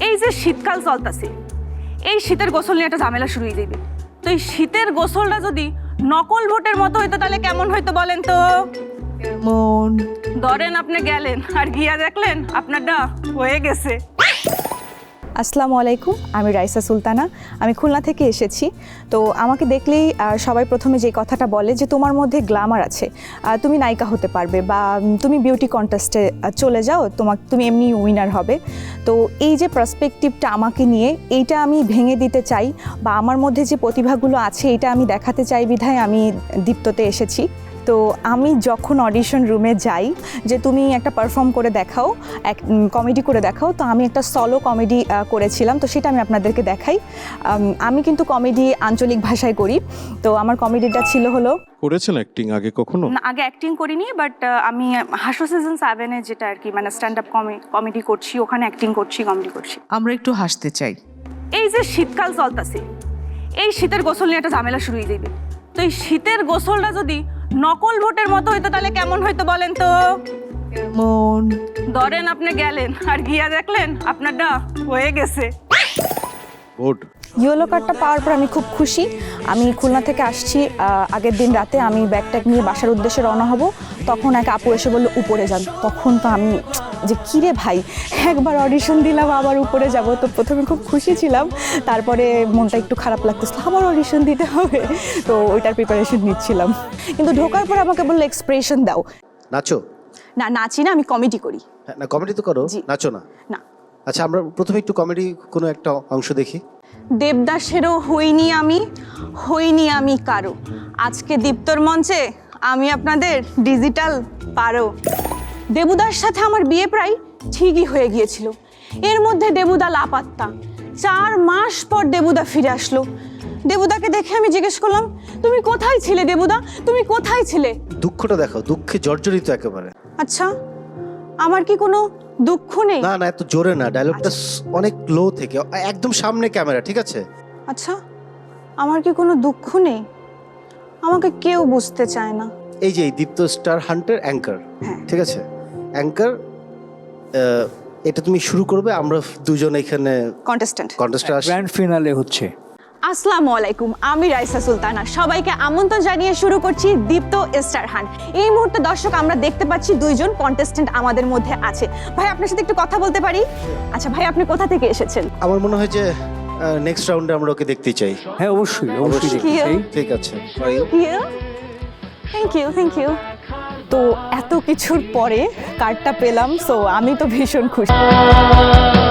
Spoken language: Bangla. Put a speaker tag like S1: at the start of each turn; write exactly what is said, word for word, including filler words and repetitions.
S1: এই যে শীতকাল চলতেছে, এই শীতের গোসল নিয়ে একটা ঝামেলা শুরু হয়ে যাবে। তো এই শীতের গোসলটা যদি নকল ভোটের মতো হইতো তাহলে কেমন হইতো বলেন তো?
S2: কেমন?
S1: ধরেন আপনি গেলেন আর গিয়া দেখলেন আপনারটা হয়ে গেছে।
S2: আসসালামু আলাইকুম, আমি রাইসা সুলতানা, আমি খুলনা থেকে এসেছি। তো আমাকে দেখলেই সবাই প্রথমে যে কথাটা বলে যে তোমার মধ্যে গ্ল্যামার আছে, তুমি নায়িকা হতে পারবে বা তুমি বিউটি কন্টেস্টে চলে যাও, তোমার তুমি এমনি উইনার হবে। তো এই যে পার্সপেক্টিভটা আমাকে নিয়ে, এইটা আমি ভেঙে দিতে চাই বা আমার মধ্যে যে প্রতিভাগুলো আছে এটা আমি দেখাতে চাই বিধায় আমি দীপ্ততে এসেছি। তো আমি যখন অডিশন রুমে যাই যে তুমি একটা পারফর্ম করে দেখাও, এক কমেডি করে দেখাও, তো আমি একটা সলো কমেডি করেছিলাম, তো সেটা আমি আপনাদেরকে দেখাই। আমি কিন্তু কমেডি আঞ্চলিক ভাষায় করি। তো আমার কমেডিটা ছিল হলো,
S3: করেছেন অ্যাক্টিং আগে কখনো?
S1: না, আগে অ্যাক্টিং করিনি, বাট আমি হাসো সিজন সেভেনে যেটা আর কি মানে স্ট্যান্ড আপ কমেডি করছি, ওখানে অ্যাক্টিং করছি, কমেডি করছি।
S4: আমরা একটু হাসতে চাই।
S1: এই যে শীতকাল চলতেছে, এই শীতের গোসল নিয়ে একটা ঝামেলা শুরু হয়ে যাবে। তো এই শীতের গোসলটা যদি নকল ভোটের মতো হইতো তাহলে কেমন হইতো বলেন তো?
S2: কেমন?
S1: ধরেন আপনি গেলেন আর গিয়া দেখলেন আপনারটা হয়ে গেছে।
S3: ভোট
S2: ইয়েলো কার্ডটা পাওয়ার পর আমি খুব খুশি। আমি খুলনা থেকে আসছি, আগের দিন রাতে আমি ব্যাগ ট্যাগ নিয়ে বাসার উদ্দেশ্যে রওনা হব, তখন এক আপু এসে বললো উপরে যান। তখন তো আমি যে কিরে ভাই, একবার অডিশন দিলাম আবার উপরে যাব। তো প্রথমে খুব খুশি ছিলাম, তারপরে মনটা একটু খারাপ লাগতেছিল, আবার অডিশন দিতে হবে। তো ওইটার প্রিপারেশন নিচ্ছিলাম, কিন্তু ঢোকার পর আমাকে বললো এক্সপ্রেশন দাও।
S5: নাচো?
S2: না, নাচি না, আমি কমেডি করি।
S5: হ্যাঁ, না কমেডি তো করো, নাচো না?
S2: না।
S5: আচ্ছা, আমরা প্রথমে একটু কমেডি কোনো একটা অংশ দেখি।
S1: দেবদাসেরও হইনি আমি, হইনি আমি কারো, আজকে দীপ্তর মঞ্চে আমি আপনাদের ডিজিটাল পারো। দেবুদার সাথে আমার বিয়ে প্রায় ঠিকই হয়ে গিয়েছিল, এর মধ্যে দেবুদা লাপাত্তা। চার মাস পর দেবুদা ফিরে আসলো। দেবুদাকে দেখে আমি জিজ্ঞেস করলাম, তুমি কোথায় ছিলে দেবুদা, তুমি কোথায় ছিলে?
S5: দুঃখটা দেখাও, দুঃখে জর্জরিত একেবারে।
S1: আচ্ছা, আমার কি কোনো দুঃখ নেই?
S5: না না, এত জোরে না, ডায়লগটা অনেক লো থেকে, একদম সামনে ক্যামেরা, ঠিক আছে?
S1: আচ্ছা, আমার কি কোনো দুঃখ নেই? আমাকে কেউ বুঝতে চায় না।
S5: এই যে দীপ্ত স্টার হান্টার অ্যাঙ্কার, ঠিক আছে? অ্যাঙ্কার, এটা তুমি শুরু করবে, আমরা দুজন এখানে
S1: কন্টেস্ট্যান্ট
S5: কন্টেস্টে আসি।
S6: গ্র্যান্ড ফিনালে হচ্ছে।
S1: আসসালামু আলাইকুম, আমি রাইসা সুলতানা, সবাইকে আমন্ত্রণ জানিয়ে শুরু করছি দীপ্ত স্টার হান্ট। এই মুহূর্তে দর্শক আমরা দেখতে পাচ্ছি দুইজন কন্টেস্ট্যান্ট আমাদের মধ্যে আছে। ভাই, আপনার সাথে একটু কথা বলতে পারি? আচ্ছা ভাই, আপনি কোথা থেকে এসেছেন?
S5: আমার মনে হয় যে নেক্সট রাউন্ডে আমরা ওকে দেখতে চাই।
S6: হ্যাঁ, অবশ্যই অবশ্যই দেখতে চাই।
S5: ঠিক আছে,
S1: থ্যাংক ইউ থ্যাংক ইউ।
S2: তো এত কিছুর পরে কার্ডটা পেলাম, সো আমি তো ভীষণ খুশি।